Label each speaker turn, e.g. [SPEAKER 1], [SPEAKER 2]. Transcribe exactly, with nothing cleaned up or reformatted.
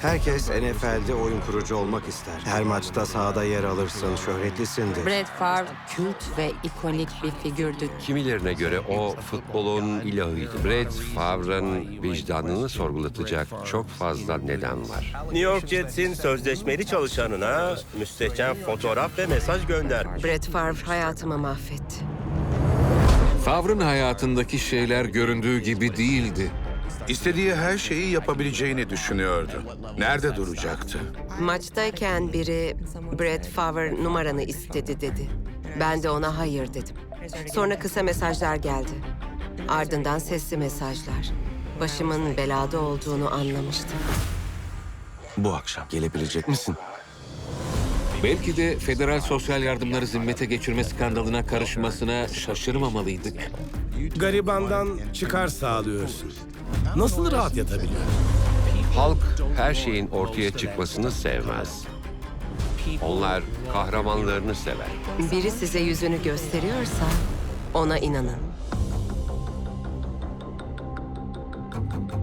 [SPEAKER 1] Herkes N F L'de oyun kurucu olmak ister. Her maçta sahada yer alırsın, şöhretlisindir.
[SPEAKER 2] Brett Favre kült ve ikonik bir figürdü.
[SPEAKER 3] Kimilerine göre o futbolun ilahıydı. Brett Favre'ın vicdanını sorgulatacak çok fazla neden var.
[SPEAKER 4] New York Jets'in sözleşmeli çalışanına müstehcen fotoğraf ve mesaj göndermiş.
[SPEAKER 5] Brett Favre hayatımı mahvetti.
[SPEAKER 6] Favre'ın hayatındaki şeyler göründüğü gibi değildi.
[SPEAKER 7] İstediği her şeyi yapabileceğini düşünüyordu. Nerede duracaktı?
[SPEAKER 5] Maçtayken biri Brett Favre numaranı istedi dedi. Ben de ona hayır dedim. Sonra kısa mesajlar geldi. Ardından sesli mesajlar. Başımın belada olduğunu anlamıştım.
[SPEAKER 8] Bu akşam gelebilecek misin?
[SPEAKER 6] Belki de federal sosyal yardımları zimmete geçirme skandalına karışmasına şaşırmamalıydık.
[SPEAKER 9] Garibandan çıkar sağlıyorsun. Nasıl rahat yatabiliyor?
[SPEAKER 3] Halk her şeyin ortaya çıkmasını sevmez. Onlar kahramanlarını sever.
[SPEAKER 5] Biri size yüzünü gösteriyorsa ona inanın.